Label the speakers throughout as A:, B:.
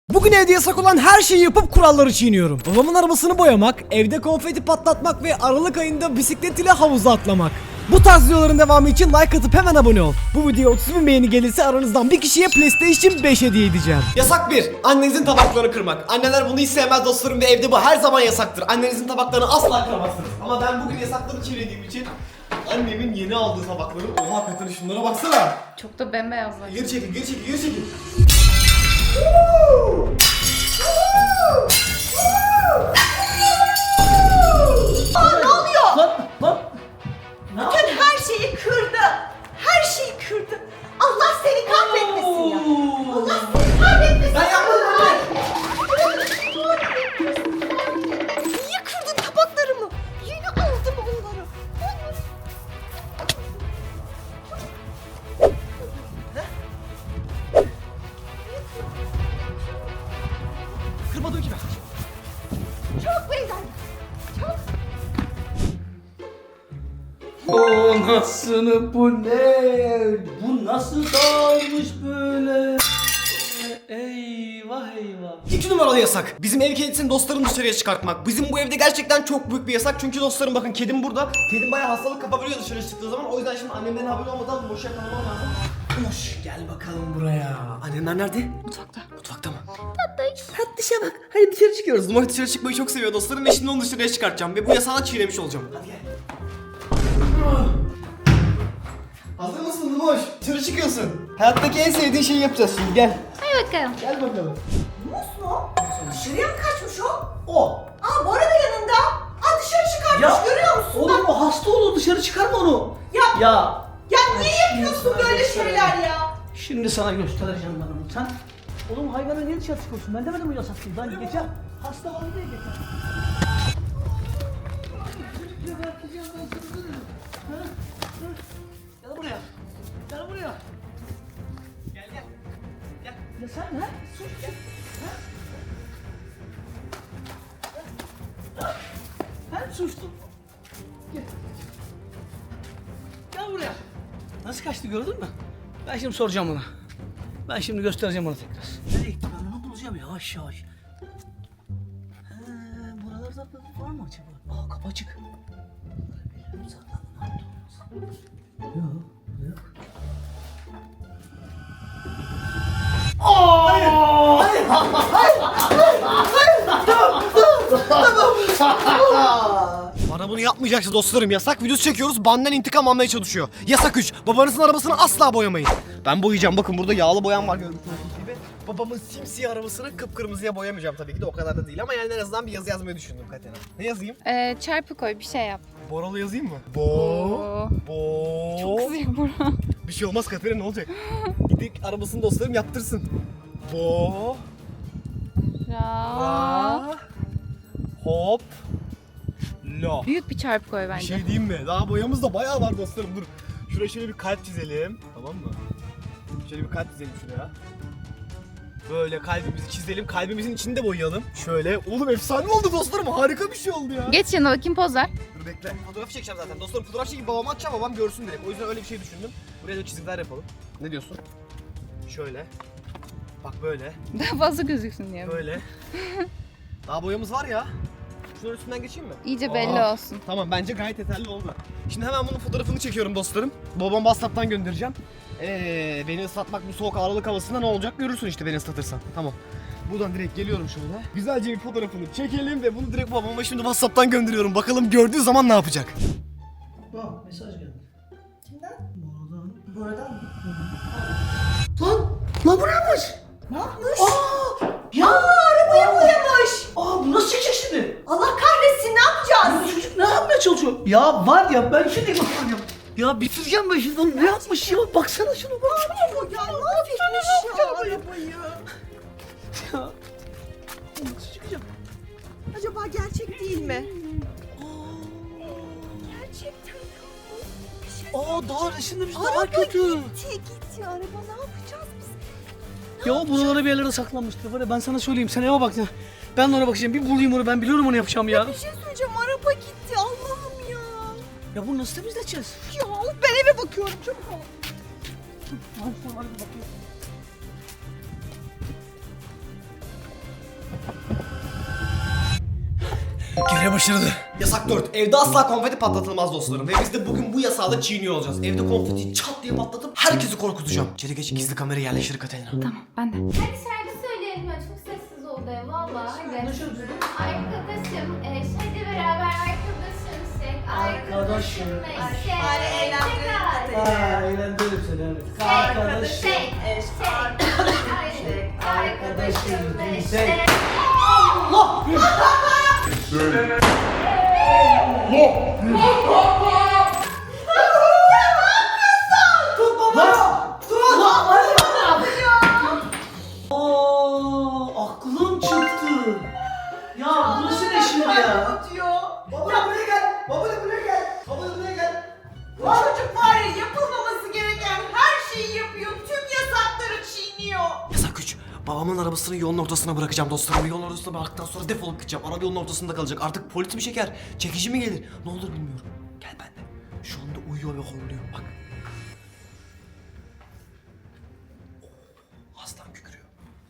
A: Bugün evde yasak olan her şeyi yapıp kuralları çiğniyorum. Babamın arabasını boyamak, evde konfeti patlatmak ve Aralık ayında bisiklet ile havuza atlamak. Bu tarz videoların devamı için like atıp hemen abone ol. Bu videoya 30.000 beğeni gelirse aranızdan bir kişiye PlayStation 5 hediye edeceğim.
B: Yasak 1. Annenizin tabaklarını kırmak. Anneler bunu hiç sevmez dostlarım ve evde bu her zaman yasaktır. Annenizin tabaklarını asla kıramazsınız. Ama ben bugün yasakları çiğnediğim için annemin yeni aldığı tabakları... Oha Katerina şunlara baksana.
C: Çok da bembeyazlar.
B: Geri çekil, geri çekil, geri çekil.
D: Ne oluyor?
A: Lan.
D: Bütün her şeyi kırdı. Her şeyi kırdı. Allah seni kahretmesin ya. Allah seni kahretmesin.
B: Ben yapmadım anne.
D: Niye kırdın tabaklarımı? Yeni aldım onları.
B: Kırmadım ki ben.
D: Çok beyler. Çok.
E: O nasıl bu ne? Bu nasıl dağılmış böyle? Eyvah eyvah.
B: 2 numaralı yasak. Bizim ev kedisini dostlarım dışarıya çıkartmak. Bizim bu evde gerçekten çok büyük bir yasak. Çünkü dostlarım bakın kedim burada. Kedim bayağı hastalık kapabiliyor dışarı çıktığı zaman. O yüzden şimdi annemlerin haberi olmadan boşa yakalamam lazım. Boş gel bakalım buraya. Annemler nerede?
C: Mutfakta.
B: Mutfakta mı? Tatlışa bak. Hadi dışarı çıkıyoruz. Numara dışarı çıkmayı çok seviyor dostlarım ve şimdi onu dışarıya çıkartacağım. Ve bu yasağı çiğnemiş olacağım. Hadi gel. Hazır mısın Numoş? Dışarı çıkıyorsun. Hayattaki en sevdiğin şeyi yapacağız şimdi. Gel.
C: Hadi bakalım.
B: Gel bakalım.
D: Mus mu? Dışarıya mı kaçmış o?
E: O.
D: Aa Bora da yanında. Aa dışarı çıkartmış görüyor musun?
E: Oğlum o hasta olur, dışarı çıkarma onu.
D: Ya,
E: Ya.
D: ya niye yapıyorsun böyle şeyler ya?
E: Şimdi sana göstereceğim ben onu. Sen oğlum hayvana niye dışarı çıkıyorsun? Ben demedim mi yasak değil. Ben geçen hasta var diye geçen. Gel buraya. Gel buraya.
B: Gel.
E: Ya sen ha? Sus. Ben sustum. Gel. Gel buraya. Nasıl kaçtı gördün mü? Ben şimdi soracağım ona. Ben şimdi göstereceğim ona tekrar. Nereye gitti ben onu bulacağım yavaş yavaş. Buralarda var mı acaba? Aa kapı açık. Bilmiyorum saklandı ne yaptı olmaz. Yok.
B: Bana bunu yapmayacaksın dostlarım. Yasak videosu çekiyoruz. Benden intikam almaya çalışıyor. Yasak 3. Babanızın arabasını asla boyamayın. Ben boyayacağım. Bakın burada yağlı boyam var görmüş olduğunuz gibi. Babamın simsiyah arabasını kıpkırmızıya boyamayacağım tabii ki de o kadar da değil ama yani en azından bir yazı yazmayı düşündüm Katerina. Ne yazayım?
C: Çarpı koy bir şey yap.
B: Boralı yazayım mı?
C: Oo.
B: Bo.
C: Çok kızıyor Burak.
B: Bir şey olmaz Katerina, ne olacak? Gidip arabasını dostlarım yaptırsın. Bo.
C: Ra.
B: Hop. Lo.
C: Büyük bir çarpı koy
B: Bir
C: bence.
B: şey diyeyim mi? Daha boyamız da bayağı var dostlarım. Dur. Şuraya şöyle bir kalp çizelim. Tamam mı? Şöyle bir kalp çizelim şuraya. Böyle kalbimizi çizelim. Kalbimizin içinde boyayalım. Şöyle. Oğlum efsane oldu dostlarım. Harika bir şey oldu ya.
C: Geç yanına bakayım poz ver.
B: Dur bekle. Fotoğraf çekeceğim zaten. Dostlarım fotoğraf çekip babama atacağım. Babam görsün direkt. O yüzden öyle bir şey düşündüm. Buraya da çizimler yapalım. Ne diyorsun? Şöyle. Bak böyle.
C: Daha fazla gözüksün diye.
B: Böyle. Daha boyamız var ya. Şunun üstünden geçeyim mi?
C: İyice belli
B: Aa,
C: olsun.
B: Tamam bence gayet yeterli oldu. Şimdi hemen bunun fotoğrafını çekiyorum dostlarım. Babam WhatsApp'tan göndereceğim. Beni ıslatmak bu soğuk Aralık havasında ne olacak görürsün işte beni ıslatırsan. Tamam. Buradan direkt geliyorum şöyle. Güzelce bir fotoğrafını çekelim ve bunu direkt babama şimdi WhatsApp'tan gönderiyorum. Bakalım gördüğü zaman ne yapacak?
E: Bak mesaj geldi.
D: Kimden?
E: Buradan.
D: Buradan mı?
E: Lan bu ne yapmış?
D: Ne yapmış?
E: Ya
D: Arabayı boyamış.
E: bu nasıl çıkacak şimdi?
D: Allah kahretsin ne yapacağız?
E: Bu çocuk ne yapmaya çalışıyor? Ya var ya ben şimdi bakacağım. Ya bitireceğim ben şimdi onu ne yapmış ya? Baksana şuna bak.
D: Ya ne yapmış ya arabayı?
E: Ya. Nasıl çıkacak?
D: Acaba gerçek değil mi? Gerçekten. Bir şey
E: Daha resimde daha
D: Araba
E: kötü.
D: gitti araba ne yapacağız biz?
E: Ya buralara bir yerlere saklanmıştır. Var ya ben sana söyleyeyim sen eve bak ya. Ben de ona bakacağım. Bir bulayım onu ben biliyorum onu yapacağım ya.
D: Bir şey söyleyeceğim araba gitti Allah'ım ya.
E: Ya bunu nasıl temizleyeceğiz?
D: Ya ben eve bakıyorum çabuk ol.
E: Hadi bakayım.
B: Geri başarılı. Yasak 4. Evde asla konfeti patlatılmaz dostlarım. Ve biz de bugün bu yasağı da çiğniyor olacağız. Evde konfeti çat diye patlatıp herkesi korkutacağım. İçeri geç, gizli kamera yerleştir Katerina.
C: Tamam ben de.
F: Hadi şarkı söyleyelim ya, çok sessiz oldu ev valla. Hadi. Arkadaşım, hadi beraber arkadaşım, arkadaşım,
D: Hadi eğlendirelim.
E: Eğlendirelim seni evet.
D: Arkadaşım.
F: arkadaşım,
E: Aklım çıktı. Ya burası ne şimdi ya?
B: Baba buraya gel. Baba buraya gel. Baba buraya gel.
D: Bu çocuk var ya, yapılmaması gereken her şeyi yapıyor. Tüm yasakları çiğniyor.
B: Yasak 3. Babamın arabasını yolun ortasına bırakacağım dostlarım. Yolun ortasına bıraktıktan sonra defolup gideceğim. Araba yolun ortasında kalacak. Artık polis mi çeker? Çekici mi gelir? Ne olur bilmiyorum. Gel benimle. Şu anda uyuyor ve horluyor. Bak. Oh, aslan kükürüyor.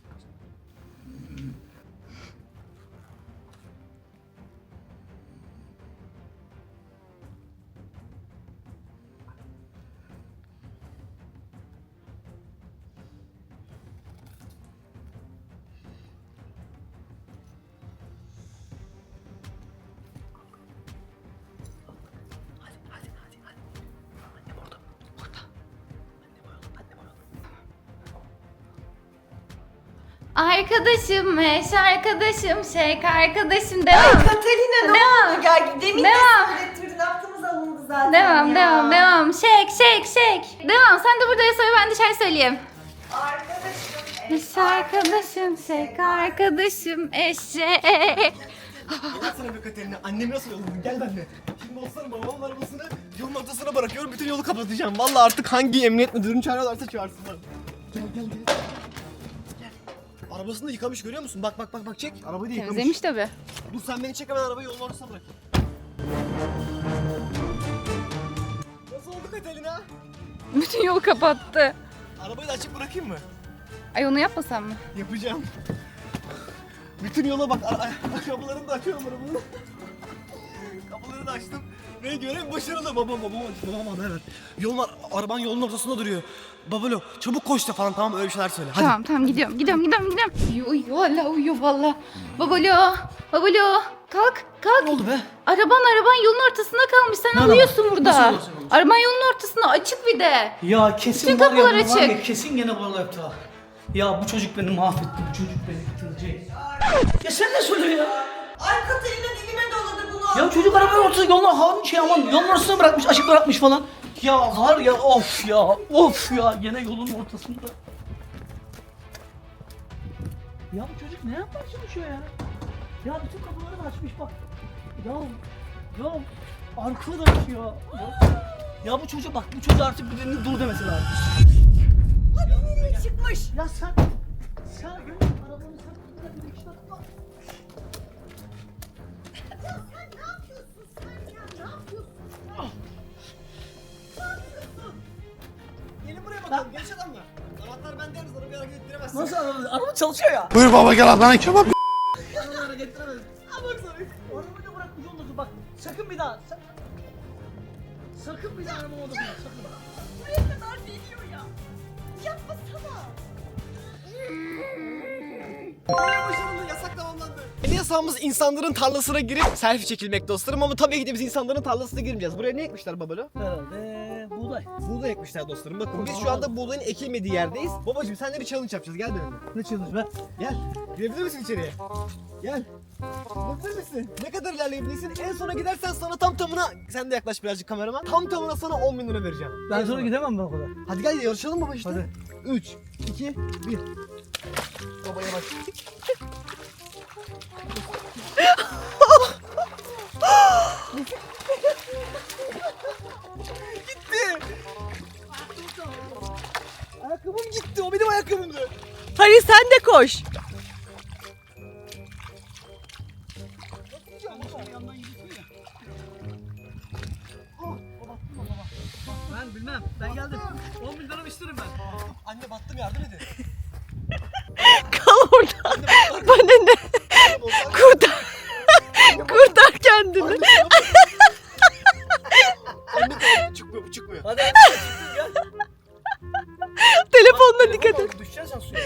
B: Hadi. Annem orada. Orada. Annem orada.
F: arkadaşım, arkadaşım, arkadaşım, devam.
D: Katerina ne
F: Devam.
D: oldu? Gel demin de
F: Devam.
D: söylettirdin. Aklımız alındı zaten
F: Devam,
D: ya.
F: devam. Shake. Devam, sen de burada söyle, ben de şarkı söyleyeyim.
D: Arkadaşım.
F: Arkadaşım, eşek.
B: Gel sana be Katerina. Annemi nasıl yolladın? Gel benimle. Şimdi dostlarım babamın arabasını yolun ortasına bırakıyorum. Bütün yolu kapatacağım. Vallahi artık hangi emniyet müdürünü çağırıyorlarsa çağırsınlar. Gel. Arabasını da yıkamış, görüyor musun? Bak çek. Arabayı da yıkamış.
C: Temizlemiş tabii.
B: Dur sen beni çek, hemen arabayı yolun ortasına bırak. Nasıl oldu Katerina?
C: Bütün yolu kapattı.
B: Arabayı da açık bırakayım mı?
C: Ay onu yapmasam mı?
B: Yapacağım. Bütün yola bak. Kapılarını da açıyorum arabanın. Kapıları da açtım. Ve görev başarılı. Babam evet. Araban yolun ortasında duruyor. Babalo çabuk koş da falan, tamam öyle bir şeyler söyle. Hadi.
C: Tamam gidiyorum. Uyuyor hala uyuyor valla. Babalo kalk.
E: Ne oldu be?
C: Araban yolun ortasında kalmış. Sen
E: Nerede?
C: uyuyorsun burada.
E: Nasıl uyuyorsun oğlum?
C: Araban yolun ortasında açık bir de.
E: Ya kesin
C: Bütün
E: var ya,
C: kapılar
E: bunlar var ya,
C: açık.
E: kesin gene buralar yaptı ha. Ya bu çocuk beni mahvetti, bu çocuk beni bitirecek. Ya sen ne söylüyorsun ya?
D: Ay Katerina dilime doladı bunu.
E: Ya çocuk arabanın ortasında yolun ortasına bırakmış, açık bırakmış falan. Ya var ya, of ya gene yolun ortasında. Ya bu çocuk ne yapmaya çalışıyor ya? Ya bütün kapıları da açmış bak. Ya arkadaş ya. Ya bu çocuk bak, bu çocuğa artık birinin dur demesi lazım.
D: Çıkmış.
E: Ya sen benim arabanı sen bir dakika bak.
D: Ya sen ne yapıyorsun sen ya? Ne yapıyorsun?
B: Gelin buraya bakalım, genç adamlar. Anahtar bende, yalnız arabayı hareket ettiremezsin.
E: Nasıl araba çalışıyor ya?
G: Buyur baba gel Adana kebap.
B: Arabayı hareket ettiremezsin.
E: Arabayı da bırakmış olmasın bak. Sakın bir daha. Sakın bir daha araba odasına sakın.
D: Buraya kadar geliyor ya. Yapmasana.
B: Görev başarılı, yasak tamamlandı. Yeni yasağımız insanların tarlasına girip selfie çekilmek dostlarım, ama tabii ki de biz insanların tarlasına girmeyeceğiz. Buraya ne ekmişler babalo?
E: Herhalde buğday.
B: Buğday ekmişler dostlarım. Bakın biz şu anda buğdayın ekilmediği yerdeyiz. Babacım seninle bir challenge yapacağız. Gel benimle.
E: Ne challenge be?
B: Gel. Girebilir misin içeriye? Gel. Girebilir misin? Ne kadar ilerleyebilirsin? En sona gidersen sana tamına, sen de yaklaş birazcık kameraman. Tamına sana 10.000 lira vereceğim.
E: Ben sonra gidemem ben o kadar.
B: Hadi gel yarışalım baba işte.
E: Hadi.
B: 3, 2, 1. Babaya bak. Gitti. Ayakkabım gitti. O benim ayakkabımdı.
D: Hadi sen de koş.
E: Ben bilmem. Ben geldim. 10.000 lira isterim ben.
B: Anne battım, yardım edin.
D: Kal orada. Bana ne? Kurtar. Kurtar. dikkat et.
B: Düşeceksin suya.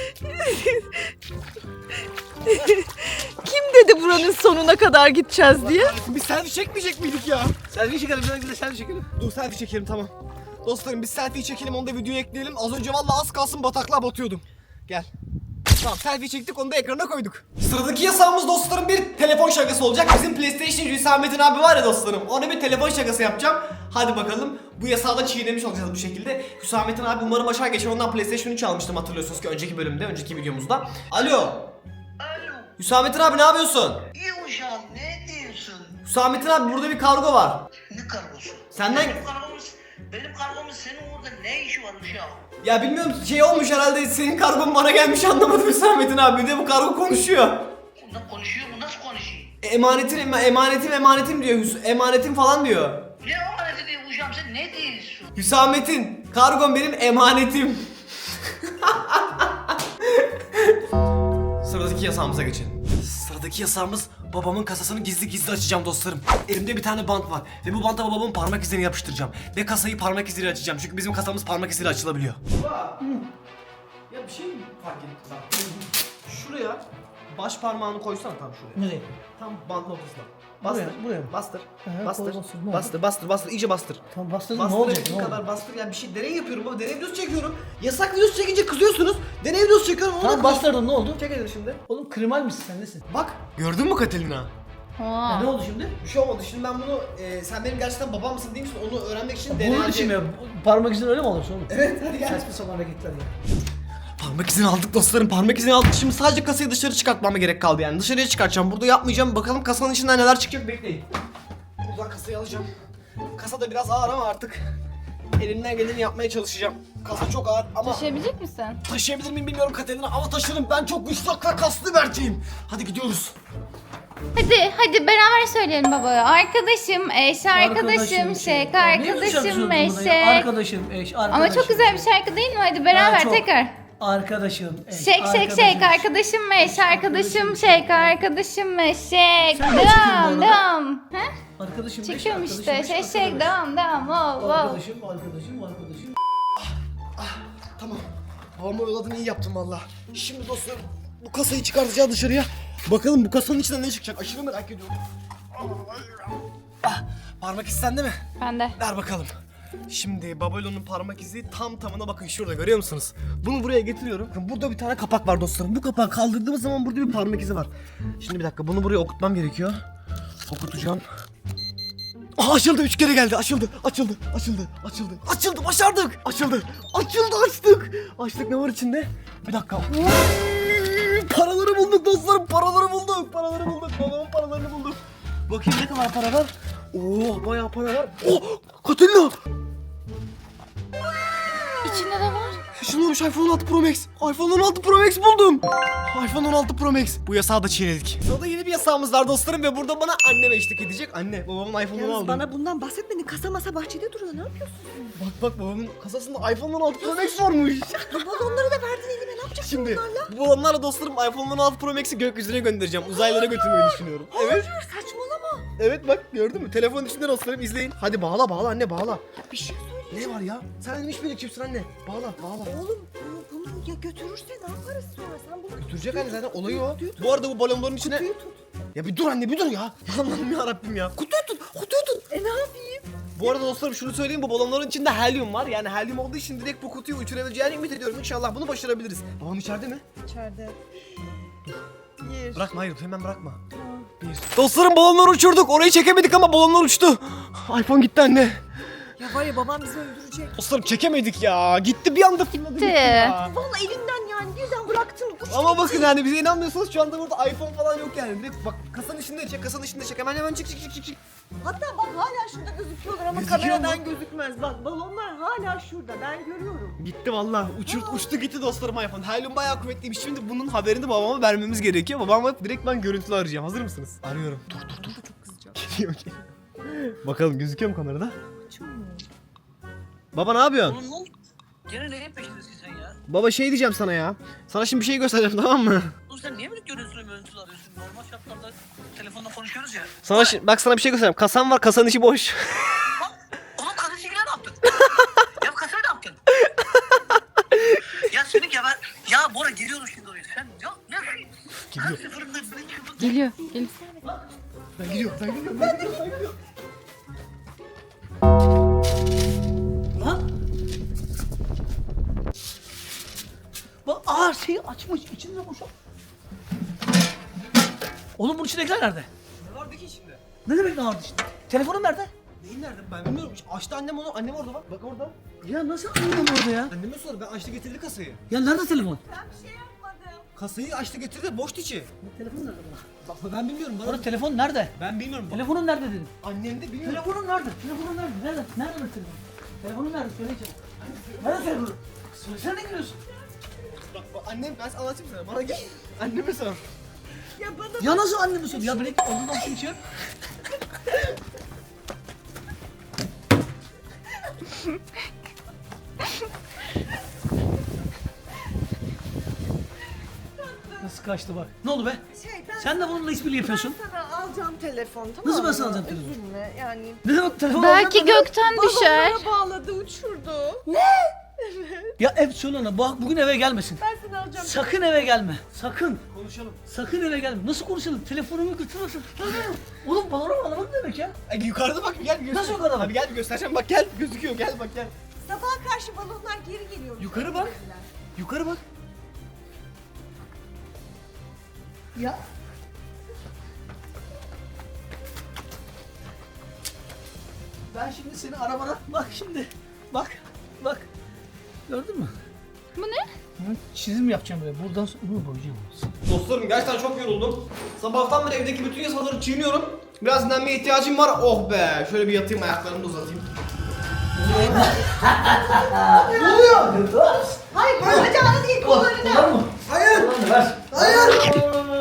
D: Kim dedi buranın sonuna kadar gideceğiz diye?
B: Biz selfie çekmeyecek miydik ya?
E: Selfie çekelim, bir de selfie çekelim.
B: Dur selfie çekelim tamam. Dostlarım biz selfie çekelim onu da videoya ekleyelim. Az önce vallahi az kalsın bataklığa batıyordum. Gel. Tamam selfie çektik onu da ekrana koyduk. Sıradaki yasağımız dostlarım bir telefon şakası olacak. Bizim PlayStation Hüsamettin abi var ya dostlarım. Ona bir telefon şakası yapacağım. Hadi bakalım. Bu yasağı da çiğnemiş olacağız bu şekilde. Hüsamettin abi umarım aşağı geçer. Ondan PlayStation 3 almıştım hatırlıyorsunuz ki önceki bölümde, önceki videomuzda. Alo.
G: Alo,
B: Hüsamettin abi ne yapıyorsun?
G: iyi uşağım, ne diyorsun?
B: Hüsamettin abi burada bir kargo var.
G: Ne kargosu?
B: Senden...
G: Benim kargomuz senin orada ne işi var uşağım?
B: Ya bilmiyorum şey olmuş herhalde senin kargon bana gelmiş anlamadım Hüsamettin abi. Bir de bu kargo konuşuyor.
G: Bundan konuşuyor mu? Nasıl konuşuyor?
B: Emanetim diyor. Emanetim falan diyor.
G: Ne amaneti diyor uşağım, sen ne diyorsun?
B: Hüsamettin, kargon benim emanetim. Sıradaki yasağımıza geçelim. Sıradaki yasağımız babamın kasasını gizli gizli açacağım dostlarım. Elimde bir tane bant var ve bu banta babamın parmak izlerini yapıştıracağım. Ve kasayı parmak iziyle açacağım çünkü bizim kasamız parmak iziyle açılabiliyor. Baba, ya bir şey mi fark ettin? Şuraya baş parmağını koysana tam şuraya.
E: Nereye?
B: Tam bantın ortasına. Bastır.
E: Buraya mı?
B: Bastır.
E: Hı,
B: Bastır.
E: koy, bastır. Ne oldu?
B: Bastır. İyice bastır.
E: Tamam bastırdın, ne olacak?
B: Bastırabildiğin
E: Ne oldu?
B: kadar bastır. Yani bir şey deney yapıyorum baba. Deney videosu çekiyorum. Yasak videosu çekince kızıyorsunuz. Deney videosu çekiyorum. Onu
E: Tamam
B: da
E: bastırdım, ne oldu?
B: çek elini şimdi.
E: Oğlum krimal misin sen, nesin?
B: Bak. Gördün mü Katelina?
E: Ya ne oldu şimdi?
B: Bir şey olmadı. Şimdi ben bunu sen benim gerçekten babam mısın değil misin? Onu öğrenmek için
E: Bunun için mi? Parmak izin öyle mi olursa oğlum?
B: Evet hadi gel.
E: Saçma sapan hareketler ya.
B: Parmak izini aldık dostlarım. Parmak izini aldık. Şimdi sadece kasayı dışarı çıkartmama gerek kaldı yani. Dışarıya çıkartacağım. Burada yapmayacağım. Bakalım kasanın içinden neler çıkacak bekleyin. Buradan kasayı alacağım. Kasa da biraz ağır ama artık elimden geleni yapmaya çalışacağım. Kasa çok ağır ama
C: Taşıyabilecek misin?
B: taşıyabilir miyim bilmiyorum Katerina ama taşırım. Ben çok güçlü kaslı bir erkeğim. Hadi gidiyoruz.
C: Hadi beraber söyleyelim babaya. Arkadaşım, eş, arkadaşım, şek,
E: Ya niye bu şarkı
C: arkadaşım,
E: söylüyorsun bana ya?
C: meşek.
E: Arkadaşım, eş, arkadaşım.
C: Ama çok güzel bir şarkı değil mi? Hadi beraber
E: çok.
C: tekrar.
E: Arkadaşım, eş,
C: Şek, arkadaşım, meş, arkadaşım, şek, arkadaşım, meşek. Devam. He?
E: Arkadaşım, eş,
C: Çekiyorum işte.
E: arkadaşım, eş,
C: Şek,
E: arkadaşım.
C: devam. Wow.
E: Arkadaşım.
B: Tamam. Babamı oyaladın iyi yaptın valla. Şimdi dostlarım bu kasayı çıkartacağız dışarıya. Bakalım bu kasanın içinden ne çıkacak aşırı merak ediyorum. Parmak izi sende mi?
C: Ben de.
B: Ver bakalım. Şimdi Babalo'nun parmak izi tam tamına bakın şurada görüyor musunuz? Bunu buraya getiriyorum. Bakın burada bir tane kapak var dostlarım. Bu kapağı kaldırdığımız zaman burada bir parmak izi var. Şimdi bir dakika bunu buraya okutmam gerekiyor. Okutacağım. Aa, açıldı 3 kere geldi açıldı başardık açıldı açtık ne var içinde bir dakika paraları bulduk dostlarım paraları bulduk babamın paralarını bulduk bakayım ne kadar para var oo bayağı para var oh Katerina
C: İçinde de var.
B: şunu olmuş iPhone 16 Pro Max iPhone 16 Pro Max buldum iPhone 16 Pro Max bu yasağı da çiğnedik sırada yeni bir yasağımız var dostlarım ve burada bana annem eşlik edecek anne babamın iPhone'unu
D: Yalnız
B: aldım
D: bana bundan bahsetmedin. Kasa masa bahçede duruyor. Ne yapıyorsun?
B: Bak babamın kasasında iPhone 16 Pro Max varmış.
D: Bu balonları da verdin elime. Ne yapacaksın
B: Şimdi
D: bunlarla?
B: bu balonlarla dostlarım iPhone 16 Pro Max'i gökyüzüne göndereceğim. Uzaylara götürmeyi düşünüyorum. Evet.
D: Hayır saçmalama.
B: Evet bak gördün mü? Telefonun içinde dostlarım izleyin. Hadi bağla anne bağla.
D: Ya bir şey söyle.
B: Ne var ya? Sen benim hiçbir ekipsin anne. Bağla.
D: Oğlum bunu ya götürürse ne yaparız sonra? Sen bunu
B: Götürecek anne zaten olayı o. Bu arada bu balonların içine...
D: kutuyu tut.
B: Ya bir dur anne bir dur ya. Allah'ım yarabbim ya. Kutuyu tut.
D: Ne yapayım?
B: Bu arada dostlarım şunu söyleyeyim bu balonların içinde helyum var. Yani helyum olduğu için direkt bu kutuyu uçurabileceğini ümit ediyorum. İnşallah bunu başarabiliriz. Babam içeride mi?
D: İçeride.
B: Bırakma hayır hemen bırakma. Dostlarım balonları uçurduk. Orayı çekemedik ama balonlar uçtu. iPhone gitti anne.
D: Ya var ya babam bizi öldürecek.
B: Dostlarım çekemedik ya. Gitti bir anda fırladı gitti ya.
D: Vallahi elimden yani birden bıraktın. Uçtu
B: Ama
D: gitti.
B: bakın yani bize inanmıyorsanız şu anda burada iPhone falan yok yani. Direkt bak kasanın içinde çek. Hemen çık.
D: Hatta bak hala şurada gözüküyorlar ama
B: Gözüküyor
D: kameradan
B: mu?
D: gözükmez. Bak balonlar hala şurada ben görüyorum.
B: Gitti valla. Uçtu gitti dostlarım iPhone. Helyum bayağı kuvvetliymiş. Şimdi bunun haberini babama vermemiz gerekiyor. Babama direkt ben görüntülü arayacağım. Hazır mısınız? Arıyorum. Dur. Çok kızacağım. Geliyor. Bakalım gözüküyor mu kamerada? Baba ne yapıyorsun?
E: Oğlum ne oldu? Gene neyin peşindesin sen ya?
B: Baba şey diyeceğim sana ya. Sana şimdi bir şey göstereceğim tamam mü?
E: Oğlum sen niye böyle görüntülü arıyorsun? Normal şartlarda telefonla konuşuyoruz ya.
B: Sana bak sana bir şey göstereceğim. Kasam var kasanın içi boş.
E: Oğlum kasayı ne yaptın? Ya kasayı ne yaptın? Ya senin
B: Geliyor.
C: Geliyor. Geliyor.
B: Ben gidiyorum. Ben gidiyorum. Ben gidiyorum. Ben gidiyorum.
E: Lan. Bak şeyi açmış. İçinde boşalt. Oğlum bunun içindekiler nerede?
B: Ne vardı ki içinde?
E: Ne demek ne vardı işte? Telefonun nerede?
B: Neyin nerede? Ben bilmiyorum. Açtı annem onu. Annem orada bak. Bak orada.
E: Ya nasıl anladın orada ya?
B: Anneme sor. Ben açtı getirdi kasayı.
E: Ya nerede telefon?
D: Ben bir şey yapmadım.
B: Kasayı açtı getirdi. Boştu içi.
E: Telefon nerede bana?
B: Bak ben bilmiyorum. Bana
E: Orada telefon nerede?
B: ben bilmiyorum.
E: Telefonun nerede dedim.
B: Annem de bilmiyor.
E: Telefonun nerede? Telefonun nerede? Nerede? Nerede benim telefonum? Telefonun nerede? Söyle çabuk. Nerede telefonun? Söylesene ne gülüyorsun?
B: Bak annem ben sana anlatayım sana. Bana gel. Anneme sor.
D: Ya bana
E: Ya nasıl annemi söylüyor? Ya beni ondan bir şey yap. Nasıl kaçtı bak. Ne oldu be?
D: ben
E: Sen de bununla işbirliği yapıyorsun.
D: sana alacağım telefon, tamam
E: Nasıl
D: mı?
E: ben sana alacağım telefon?
D: Üzülme yani.
E: Ne demek telefon
C: Belki gökten düşer.
D: Balonlara bağladı, uçurdu.
E: Ya hep söyle ona bugün eve gelmesin.
D: Ben sana alacağım.
E: Sakın eve gelme. Sakın.
B: Konuşalım.
E: Sakın eve gelme. Nasıl konuşalım? Telefonumu götürürsün. Oğlum balona bağlamak ne demek ya?
B: Yukarıda bak gel bir göster.
E: Nasıl yukarıda bak?
B: Abi gel bir göstereceğim bak gel gözüküyor gel bak gel.
D: Sabaha karşı balonlar geri geliyor.
B: Yukarı bak. Yukarı bak.
E: Ya. Ben şimdi seni arabana bak şimdi. Bak. Bak. Gördün mü?
C: Bu ne?
E: Çizim yapacağım böyle. Buradan sonra bunu boyayacağım.
B: Dostlarım gerçekten çok yoruldum. Sabahtan beri evdeki bütün yasaları çiğniyorum. Biraz dinlenmeye ihtiyacım var. Oh be. Şöyle bir yatayım ayaklarımı da uzatayım.
E: Ne oluyor?
D: Hayır, bacağını değil, kollarını.
E: Kollar mı?
B: Hayır.
E: Ver.
B: Hayır.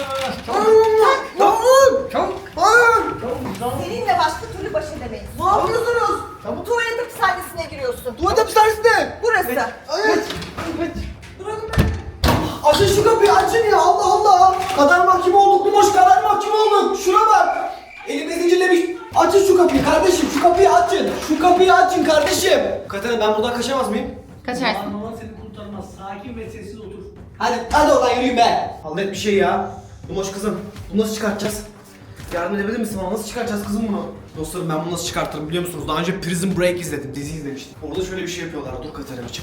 D: Seninle başka türlü baş edemeyiz.
B: Ne yapıyorsunuz?
D: Tuvalet hapishanesine giriyorsun.
B: Tuvalet hapishanesinde.
D: Burası.
B: Hayır. Bırakın beni. Açın şu kapıyı açın ya Allah Allah. Kader mahkumu olduk Lumoş kader mahkumu olduk. Şuna bak. Elimi zincirlemiş. Açın şu kapıyı kardeşim şu kapıyı açın. Şu kapıyı açın kardeşim. Katerina ben buradan kaçamaz mıyım?
C: Kaçarsın.
E: Baban seni kurtarmaz. Sakin ve sessiz otur.
B: Hadi oradan yürüyün be. Hallet bir şey ya. Lumoş kızım bunu nasıl çıkartacağız? Yardım edebilir misin bana? Nasıl çıkartacağız kızım bunu? Dostlarım ben bunu nasıl çıkartırım biliyor musunuz? Daha önce Prison Break izledim, dizi izlemiştim. Orada şöyle bir şey yapıyorlar. Dur Katerina çık.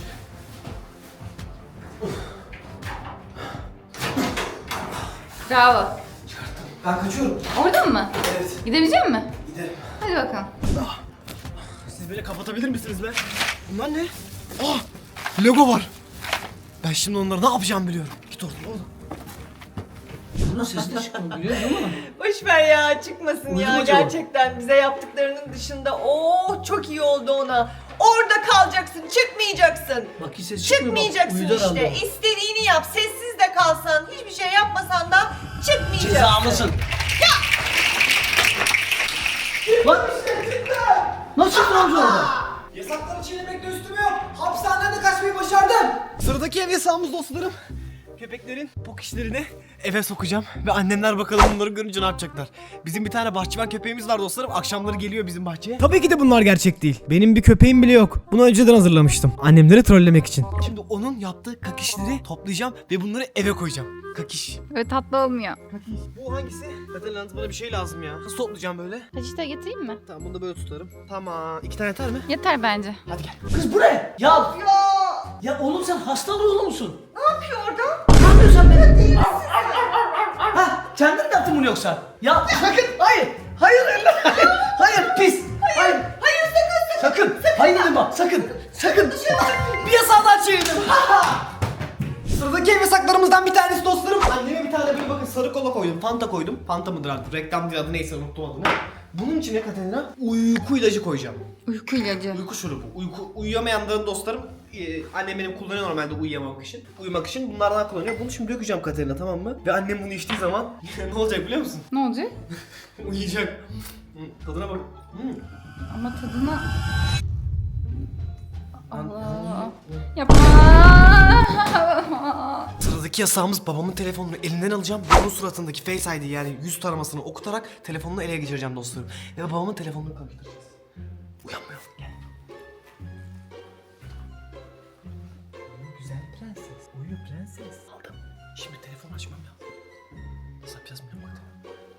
C: Bravo.
B: Ben kaçıyorum.
C: Oradan mı?
B: Evet.
C: Gidebilecek misin?
B: Gidelim.
C: Hadi bakalım.
B: Siz böyle kapatabilir misiniz be? Bunlar ne? Ah! Lego var. Ben şimdi onları ne yapacağım biliyorum. Git oradan oğlum.
E: Bunun sesi de çıkmıyor biliyor musun?
D: Boş ver ya, çıkmasın
E: Uyudu
D: ya
E: mu acaba?
D: gerçekten bize yaptıklarının dışında. Oh çok iyi oldu ona. Orada kalacaksın, çıkmayacaksın.
E: Bak hiç ses çıkmıyor. Bak,
D: Çıkmayacaksın
E: uyudu herhalde
D: işte.
E: o.
D: İstediğini yap. Sessiz de kalsan, hiçbir şey yapmasan da çıkmayacaksın.
E: Cezamısın. Lan. Nasıl çıktı amca orada?
B: Yasakları çiğnemekle üstüme yok. Hapishaneden kaçmayı başardım. Sıradaki ev yasağımız dostlarım. Köpeklerin pok işlerini eve sokacağım ve annemler bakalım bunları görünce ne yapacaklar. Bizim bir tane bahçıvan köpeğimiz var dostlarım. Akşamları geliyor bizim bahçeye.
A: Tabii ki de bunlar gerçek değil. Benim bir köpeğim bile yok. Bunu önceden hazırlamıştım. Annemleri trollemek için.
B: Şimdi onun yaptığı kakişleri toplayacağım ve bunları eve koyacağım. Kakiş.
C: Böyle tatlı olmuyor.
B: Bu hangisi? Katerina bana bir şey lazım ya. Nasıl toplayacağım böyle?
C: Peçete getireyim mi?
B: Tamam bunu da böyle tutarım. Tamam. 2 tane yeter mi?
C: Yeter bence.
B: Hadi gel.
E: Kız bu ne? Ya oğlum sen hasta ruhlu musun?
D: Ne yapıyor orada?
E: Ne yapıyorsun sen be? Ha, kendin mi yaptın bunu yoksa? Ya sakın, hayır, hayır, hayır, pis, hayır,
D: Hayır sakın.
E: sakın, hayır dedim bak, sakın, bir yasağı daha çiğnedim.
B: Sıradaki ev yasaklarımızdan bir tanesi dostlarım. Anneme bir tane böyle bakın sarı kola koydum. Fanta koydum. Fanta mıdır artık? Reklam değil adı neyse unuttum adını. Bunun içine Katerina uyku ilacı koyacağım.
C: Uyku ilacı.
B: Uyku şurubu. Uyuyamayanların dostlarım annem benim kullanıyor normalde uyumak için bunlardan kullanıyor. Bunu şimdi dökeceğim Katerina tamam mı? Ve annem bunu içtiği zaman ne olacak biliyor musun?
C: Ne olacak?
B: Uyuyacak. Tadına bak.
C: Ama tadına... Allah. Yapma.
B: Sıradaki yasağımız babamın telefonunu elinden alacağım. Onun suratındaki Face ID yani yüz taramasını okutarak telefonunu ele geçireceğim dostlarım. Ve babamın telefonunu karıştıracağız. Uyanmıyor. Gel. Güzel prenses. Uyu prenses. Aldım. Şimdi telefon açmam lazım. Nasıl yapacağız bilmiyorum bakalım.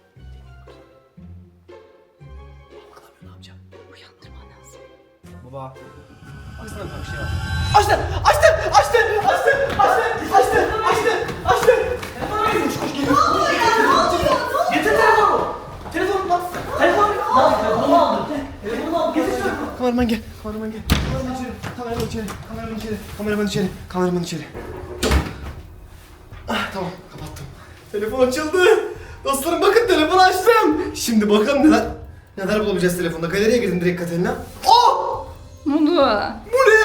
B: Bakalım ne yapacağım.
C: Uyandırman lazım.
B: Baba. Baksana bir şey var. Açtı! Açtı! Açtı! Açtı! Açtı! Açtı! Açtı! Açtı!
E: Getir telefonu. Telefonu bak. Telefonu. Lan telefonu aldım. Telefonu al. Getir şunu.
B: Kameraman gel. Kameraman gel. Kameraman içeri. Kameraman içeri. Kameraman içeri. Kameraman içeri. Ah, tamam kapattım. Telefon açıldı. Dostlarım bakın telefonu açtım. Şimdi bakalım neler bulabileceğiz telefonda. Galeriye girdim direkt Katerina. Oh!
C: Ne oldu?
B: Bu ne?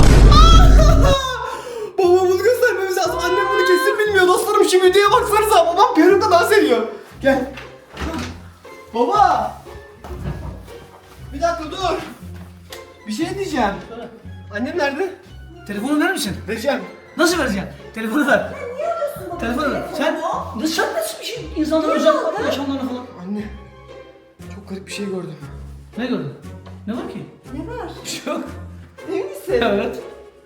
B: Babam bunu göstermemiz lazım. Annem bunu kesin bilmiyor. Dostlarım şu videoya baksanıza. Babam peruğunda dans ediyor. Gel. Baba. Bir dakika dur. Bir şey diyeceğim. Annem nerede?
E: Telefonu verir misin?
B: Vereceğim.
E: Nasıl vereceksin? Telefonu ver. Telefonu ver. Sen nasıl bir şey? İnsanların özel yaşamlarına falan.
B: Anne. Çok garip bir şey gördüm.
E: Ne gördün? Ne var ki?
D: Ne var?
E: Bir şey yok.
D: Emin misin?
E: Evet.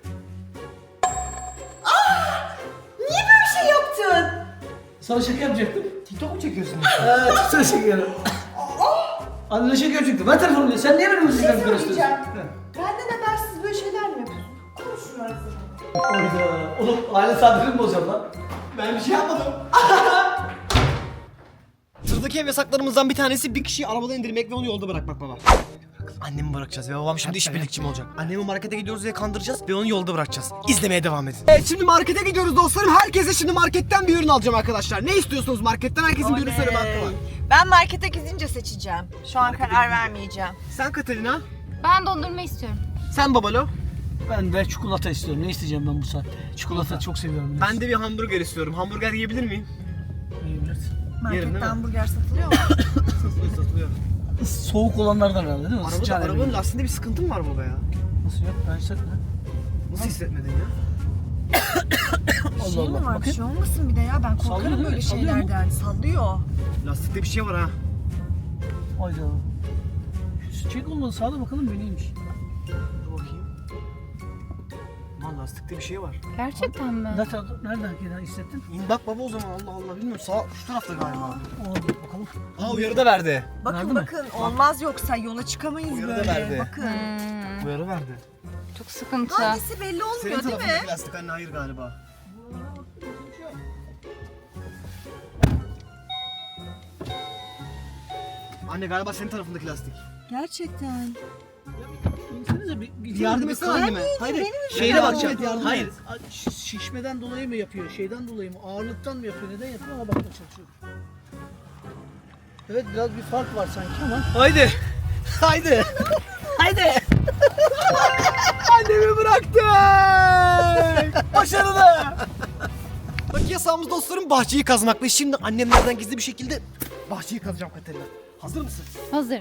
D: Niye böyle şey yaptın?
E: Sana şaka yapacaktım.
B: TikTok mu çekiyorsun?
E: Evet, sana şaka yapıyorum. Annene şaka yapacaktım. Ver telefonu diye. Sen niye benim
D: Bir şey
E: müziklerimi
D: söyleyeceğim.
E: karıştırıyorsun?
D: Benden habersiz böyle şeyler mi yapıyorsun? Konuşun arasında.
E: Oyda. Oğlum aile saadetini mi bozacağım lan?
B: Ben bir şey yapmadım. Sıradaki ev yasaklarımızdan bir tanesi bir kişiyi arabadan indirmek ve onu yolda bırakmak baba. Annemi bırakacağız ve babam şimdi işbirlikçi mi olacak? Annemi markete gidiyoruz diye kandıracağız ve onu yolda bırakacağız. İzlemeye devam edin. Evet şimdi markete gidiyoruz dostlarım. Herkese şimdi marketten bir ürün alacağım arkadaşlar. Ne istiyorsunuz marketten? Herkesin bir ürün söyleme hakkı var.
D: Ben markete gidince seçeceğim. Şu an karar vermeyeceğim.
B: Sen Katerina.
C: Ben dondurma istiyorum.
B: Sen Babalo.
E: Ben de çikolata istiyorum. Ne isteyeceğim ben bu saatte? Çikolata çok seviyorum.
B: Ben de bir hamburger istiyorum. Hamburger yiyebilir miyim?
E: Yiyebilirsin.
B: Yerim, değil mi?
D: Markette hamburger satılıyor mu?
B: Satılıyor.
E: Soğuk olanlardan herhalde değil mi? Sıcağı
B: Arabanın
E: yemeği.
B: lastiğinde bir sıkıntı mı var baba ya?
E: Nasıl yok? Ben hissetmedim.
B: Nasıl hissetmedin ya?
E: Allah
D: Şey mi
E: Allah.
D: var? Bir
E: Bakın.
D: şey olmasın bir de ya. Ben
E: Sallıyor
D: korkarım
E: değil mi?
D: böyle
E: Sallıyor mu?
D: şeylerden. Sallıyor.
B: Lastikte bir şey var ha.
E: Hayda. Şu çek olmadı. Sağda bakalım bu neymiş.
B: Dur bakayım. Lan lastikte bir şey var.
C: Gerçekten mi?
E: Nereden hissettin?
B: İn bak baba o zaman Allah Allah bilmiyorum sağ şu tarafta galiba.
E: Oldu bakalım.
B: Aa uyarı da verdi.
D: Bakın
E: Verdi mi?
D: bakın olmaz yoksa yola çıkamayız
B: Uyarı da
D: böyle.
B: verdi.
D: Bakın.
B: Uyarı verdi.
C: Çok sıkıntı.
D: Hangisi belli
B: Senin
D: olmuyor değil mi?
B: tarafındaki lastik anne hayır galiba. Anne galiba senin tarafındaki lastik.
D: Gerçekten.
E: İnsenize bir
B: Yardım etsene anneme. Hayır.
E: Şeyle
B: Yardım
E: bakacağım.
B: et, yardım
E: Hayır.
B: et.
E: Şişmeden dolayı mı yapıyor? Şeyden dolayı mı? Ağırlıktan mı yapıyor? Neden yapıyor? Ama bakmaya çalışıyorum. Evet biraz bir fark var sanki ama.
B: Haydi. Haydi. Haydi. Annemi bıraktık. Başarılı. Bak yasağımız dostlarım bahçeyi kazmak ve şimdi annemlerden gizli bir şekilde bahçeyi kazacağım Katerina. Hazır mısın?
C: Hazırım.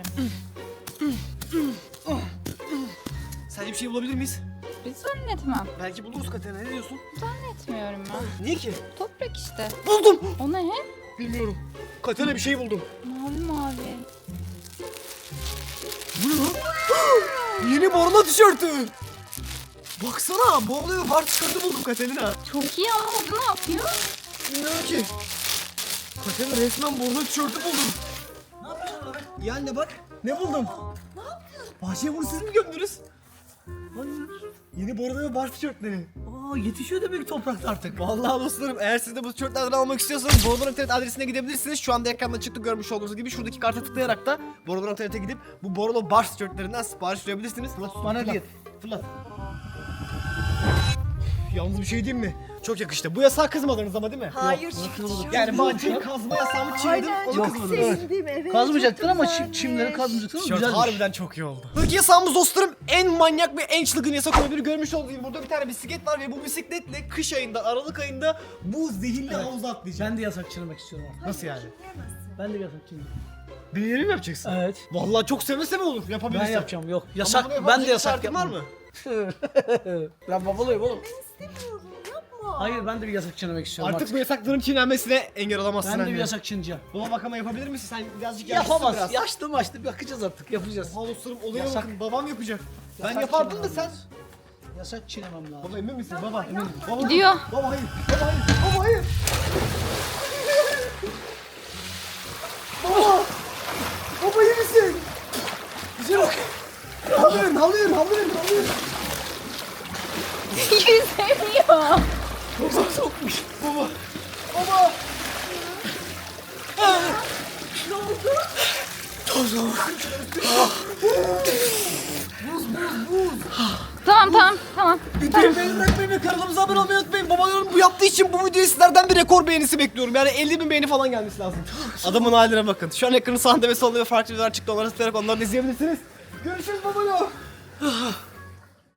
B: Sence bir şey bulabilir miyiz?
C: Bir zannetmem.
B: Belki buluruz Katerina ne diyorsun?
C: Zannetmiyorum ben.
B: Niye ki?
C: Toprak işte.
B: Buldum.
C: O ne?
B: Bilmiyorum. Katerina bir şey buldum.
C: Mavi mavi.
B: Bu ne lan? Yeni Borla tişörtü. Baksana Borla ve Bar tişörtü buldum Katerina.
C: Çok iyi ama bu ne yapıyor?
B: Bilmiyorum ki. Katerina resmen Borla tişörtü buldum.
E: Ne yapıyorsun abi?
B: Ya anne bak ne buldum. Ne yaptın? Bahçeye bunu siz mi gömdünüz?
E: Hayır.
B: Yeni Borla ve Bar tişörtleri.
E: Aa yetişiyor demek ki toprakta artık.
B: Vallahi dostlarım eğer siz de bu tişörtlerden almak istiyorsanız Borla.net adresine gidebilirsiniz. Şu anda ekranda çıktı görmüş olduğunuz gibi şuradaki karta tıklayarak da Borla.net'e gidip bu Borla Bar tişörtlerinden sipariş verebilirsiniz. Fırlat,
E: Bana
B: fırlat,
E: değil.
B: Fırlat. Yalnız bir şey diyeyim mi? Çok yakıştı. Bu yasağı kızmadınız ama değil mi?
D: Hayır.
B: Yani bahçeyi kazma yasağımı çiğnedim.
D: Aynen
B: Onu
D: çok
B: kızmadınız.
D: sevindim. Evet.
E: Kazmayacaktın ama
D: çok
E: çimleri
D: güzelmiş.
E: kazmayacaktın ama
B: Tişört
E: güzelmiş.
B: harbiden çok iyi oldu. Sıradaki yasağımız dostlarım en manyak ve en çılgın yasak olabilir. Görmüş olduğunuz gibi burada bir tane bisiklet var ve bu bisikletle kış ayında, Aralık ayında bu zehirli havuza atlayacağım.
E: Ben de yasak çiğnemek istiyorum artık.
B: Nasıl yani?
E: Ben de yasak çiğnemek.
B: Deneyelim mi yapacaksın?
E: Evet.
B: Vallahi çok seve seve olur yapabilirsin.
E: Ben yapacağım yok.
B: Ama
E: Yasak
B: bunu
E: ben de
B: yapabilecek
E: yasak
B: şartın var
E: yapmam.
B: mı?
E: Ben babalıyım oğlum.
D: İstemiyorum yapma.
E: Hayır ben de bir yasak çiğnemek istiyorum
B: Artık
E: artık.
B: bu yasakların çiğnenmesine engel olamazsın
E: Ben de
B: anne.
E: bir yasak çiğneyeceğim.
B: Baba bak ama yapabilir misin? Sen birazcık yaşlısın
E: Yapamaz.
B: biraz.
E: Yaşlı maçlı bakacağız artık yapacağız.
B: Oha dostlarım olaya
E: Yasak.
B: bakın babam yapacak. Ben
E: Yasak
B: yapardım da
E: çiğnemem
B: sen.
E: lazım. Yasak çiğnemem lazım.
B: Baba emin misin? Baba emin misin? Baba,
C: Gidiyor.
B: Baba hayır. Baba hayır. Baba hayır. Baba! Baba iyi misin? Bize bak. Havlu verin.
C: Yüzemiyor.
B: Baba sokmuş. Baba. Baba. Ne oldu? Toz olmuş.
C: Tamam.
B: Videoyu beğeni bırakmayı ve kanalımıza abone olmayı unutmayın. Babaların bu yaptığı için bu videoyu sizlerden bir rekor beğenisi bekliyorum. Yani 50.000 beğeni falan gelmesi lazım. Adamın haline bakın. Şu an ekranın sağında ve solunda ve farklı videolar çıktı. Onları tıklayarak onları da izleyebilirsiniz. Görüşürüz babalar.